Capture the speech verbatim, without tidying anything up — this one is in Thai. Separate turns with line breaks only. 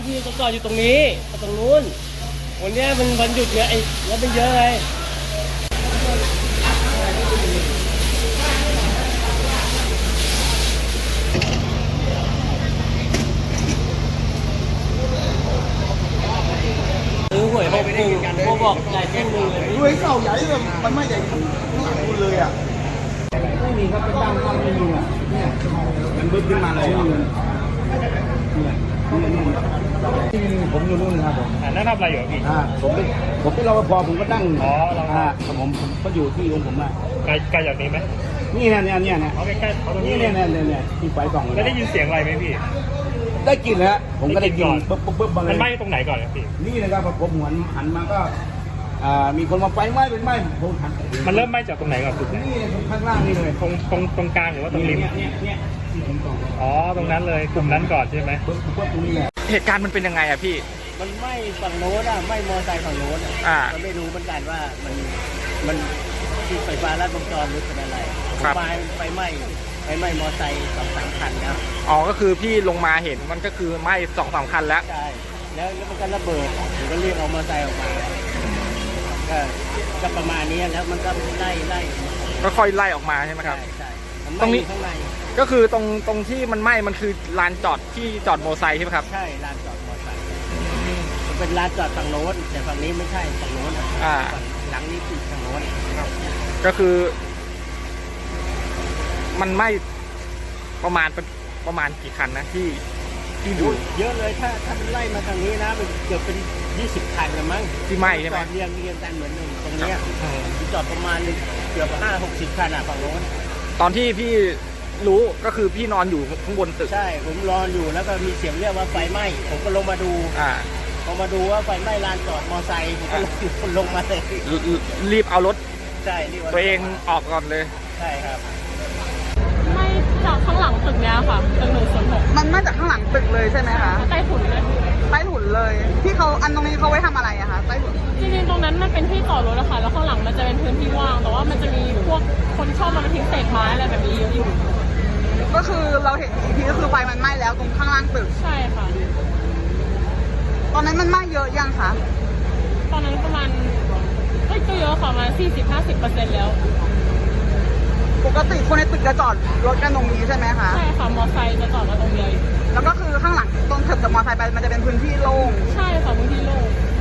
พี่ก็จอดอยู่ตรงนี้ตรงนู้นวันนี้มันวันหยุดเนี่ยไอ้รถมันเยอะเลยซื้อหวยหกหนึ่งโมบอกจ่ายแค่หนึ่งเลย
รวยเก่าใหญ่เลยมันไม่ใหญ่ข้างหลังคุณเลยอ่ะไม่มีครับเป็นตั้งตั้งไม่มีอ่ะเนี่ยมันบึ้มขึ้นมาเลยผมอยู่นู่นครับผม
นั่งทำอะไรอยู่พี่
อ่าผมเป็นผมเป็นรปภผมก็ตั้ง
อ๋อรปภ
อ่าผมผมก็อยู่ที่ของผมอ่ะ
ไกลไกลจากนี้ไหม
นี่นะเนี่ยเนี่ยเนี่ย
เอาใกล้ๆเอาตรง
นี่
นี้
เนี่ยเนี่ยเนี่ยที่ไฟส่อง
แล้วได้ยินเสียงอะไรไหมพี่
ได้กลิ่นแล้วผมก็ได้กลิ่น
ได้กลิ่นก่
ปุ๊
อน
บปุ๊บปุ๊บมาเล
มัน
ย
ไหม้ตรงไหนก่อนครับพี่
นี่นะครับผมหันหันมาก็อ่ามีคนมาไฟไหม้เป็นไหม้ผมหัน
มันเริ่มไหม้จากตรงไหนก่อนสุดไหน
นี่ข้างล่างนี่เลย
ตรงตรงตรงกลางหรือว่าตรงริม
เนี่ยเนี่ยเนี่ยที่ผมส่อง
อ๋อตรงนั้นเลยกลุ่มนั้นก่อนใช่ไหม
ปุ๊บปุ๊บตรงนี้แหละ
เหตุการณ์มันเป็นยังไงอะพี่
มันไหม้ฝั่งโน้นอ่ะไหม้มอเตอร์ไซค์ฝั่งโน้นอ่ะ
อ่า
มันไม่รู้เหมือนกันว่ามันมันที่ไฟฟ้าลัดวงจรหรือเป็นอะไร
ครับ
ไฟไฟไหม้ไฟไหม้มอเตอร์ไซค์สองสามคันนะ
อ๋อ ก็คือพี่ลงมาเห็นมันก็คือไหม้สองสามคันแล้ว
ใช่แล้วแล้วมันก็ระเบิดผมก็เรียกเอามอเตอร์ไซค์ออกมาก็ก็ประมาณนี้แล้วมันก็ไล่ไล่
ก็ค่อยไล่ออกมาใช่ไหมค
ใช่
รับ
ใช่มัน
ตรงนี้
ไหม้อยู่ข้างใน
ก็คือตรงตรงที่มันไหม้มันคือลานจอดที่จอดมอเตอร์ไซค์ใช่ไหมครับ
ใช่ลานจอดมอเตอร์ไซค์มันเป็นลานจอดฝั่งโน้นแต่ฝั่งนี้ไม่ใช่ฝั่งโน้นอะ
อ่า
ฝั่งหลังนี้คือฝั่งโน้น
ก็คือ มันไหม้ประมาณเป็นประมาณกี่คันนะที่ที่ดู
เยอะเลยถ้าถ้ามันไล่มาทางนี้นะมันเกือบเป็นยี่สิบคันละมั้ง
ที่ไหม้ใช่ไห
จ
ม
อดเรียงเรียงกันเหมือนหนึ่งตรงเนี้ย
อืม
จอดประมาณเกือบห้าหกสิบคันอ่ะฝั่งโน้น
ตอนที่พี่รู้ก็คือพี่นอนอยู่ข้างบนตึก
ใช่ผมรออยู่แล้วก็มีเสียงเรียกว่าไฟไหม้ผมก็ลงมาดู
อ่า
พอมาดูว่าไฟไหม้ลานจอดมอไซค์ผมก็ลงลงมาเลย
รีบเอารถ
ใช่รีบา
ตัวเองออกก่อนเลย
ใช่ครับ
ไม่จากข้างหลังตึกเนี้ยค่ะตึกหนึ่งศูนย์หก
มันมาจากข้างหลังตึกเลยใช่ไหมคะ
ใต้ถุนเลย
ใต้ถุนเลย ที่เขาอันตรงนี้เขาไว้ทำอะไรอะคะใต้ถุน
จริงๆตรงนั้นมันเป็นที่จอดรถอะค่ะแล้วข้างหลังมันจะเป็นพื้นที่ว่าง แต่ว่ามันจะมีพวกคนชอบมาทิ้งเศษไม้อะไรแบบนี้เยอะอยู่
ก็คือเราเห็นอีกทีก็คือไฟมันไหม้แล้วตรงข้างล่างตึก
ใช่ค่ะ
ตอนนั้นมันไหม้เยอะยังคะ
ตอนนั้นประมาณเอ้ยก็เยอะค่ะประมาณสี่สิบห้าสิบเปอร์เซ็นต์แล้ว
ปกติคนในตึกจะจอดรถกันตรงนี้ใช่ไหมคะ
ใช่ค่ะมอไซค์จะจอดมาตรงเดียว
แล้วก็คือข้างหลังตรงตึกกับมอเตอร์ไซค์ไปมันจะเป็นพื้นที่โล่ง
ใช่ค่ะพื้นที่โล่ง